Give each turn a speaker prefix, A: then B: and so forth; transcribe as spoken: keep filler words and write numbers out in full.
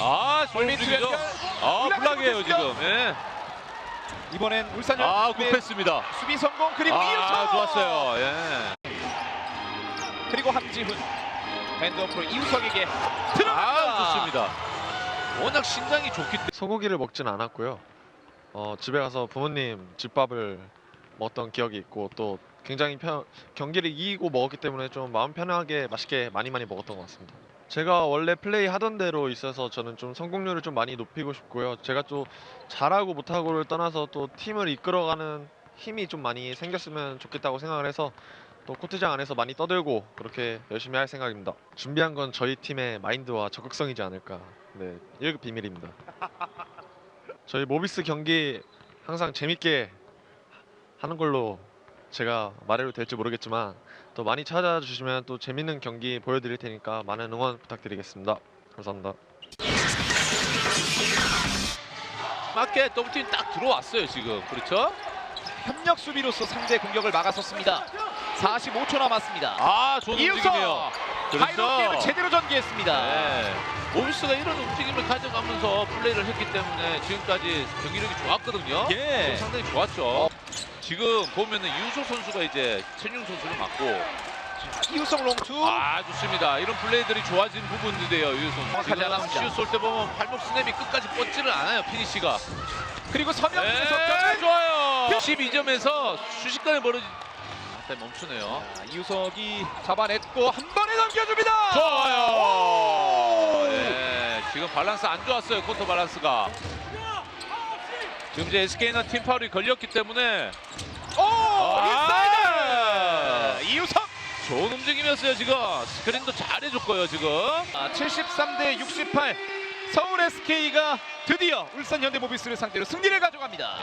A: 아,
B: 골밑
A: 골밑이죠.
B: 연결.
A: 아, 블락이에요
B: 못했습니다.
A: 지금. 예.
B: 이번엔 울산
A: 아,
B: 현대
A: 굽했습니다.
B: 수비 성공. 그리고
A: 아,
B: 이우석
A: 좋았어요. 예.
B: 그리고 함지훈 핸드오프로 이우석에게 들어간다.
A: 아, 좋습니다. 워낙 신장이 좋기 때문에.
C: 소고기를 먹진 않았고요. 어, 집에 가서 부모님 집밥을 먹었던 기억이 있고 또 굉장히 편, 경기를 이기고 먹었기 때문에 좀 마음 편하게 맛있게 많이 많이 먹었던 것 같습니다. 제가 원래 플레이 하던 대로 있어서 저는 좀 성공률을 좀 많이 높이고 싶고요. 제가 또 잘하고 못하고를 떠나서 또 팀을 이끌어가는 힘이 좀 많이 생겼으면 좋겠다고 생각을 해서 또 코트장 안에서 많이 떠들고 그렇게 열심히 할 생각입니다. 준비한 건 저희 팀의 마인드와 적극성이지 않을까. 네, 일 급 비밀입니다. 저희 모비스 경기 항상 재밌게 하는 걸로 제가 말해도 될지 모르겠지만 또 많이 찾아주시면 또 재밌는 경기 보여드릴 테니까 많은 응원 부탁드리겠습니다. 감사합니다.
A: 맞게 더블팀 딱 들어왔어요 지금. 그렇죠?
B: 협력 수비로서 상대 공격을 막았었습니다. 사십오 초 남았습니다.
A: 아, 좋은 움직임이에요.
B: 이우석 하이로게임을 제대로 전개했습니다.
A: 네. 모비스가 이런 움직임을 가져가면서 플레이를 했기 때문에 지금까지 경기력이 좋았거든요.
B: 예.
A: 상당히 좋았죠. 지금 보면은 이우석 선수가 이제 천용 선수를 맞고.
B: 이우석 롱투.
A: 아, 좋습니다. 이런 플레이들이 좋아진 부분인데요, 이우석 선수.
B: 정확하지
A: 지금
B: 않았습니다.
A: 슛 쏠 때 보면 발목 스냅이 끝까지 뻗지를 않아요, 피니시가.
B: 그리고
A: 네,
B: 서명준에서까지
A: 좋아요. 십이 점에서 순식간에 벌어지. 아, 멈추네요.
B: 이우석이 잡아냈고 한 번에 넘겨줍니다.
A: 좋아요. 네, 지금 밸런스 안 좋았어요, 쿼터 밸런스가. 지금 이제 에스케이는 팀 파울이 걸렸기 때문에.
B: 오!
A: 아,
B: 인사이드! 이우석!
A: 좋은 움직임이었어요 지금. 스크린도 잘 해줬고요 지금.
B: 아, 칠십삼 대 육십팔 서울 에스케이가 드디어 울산 현대모비스를 상대로 승리를 가져갑니다.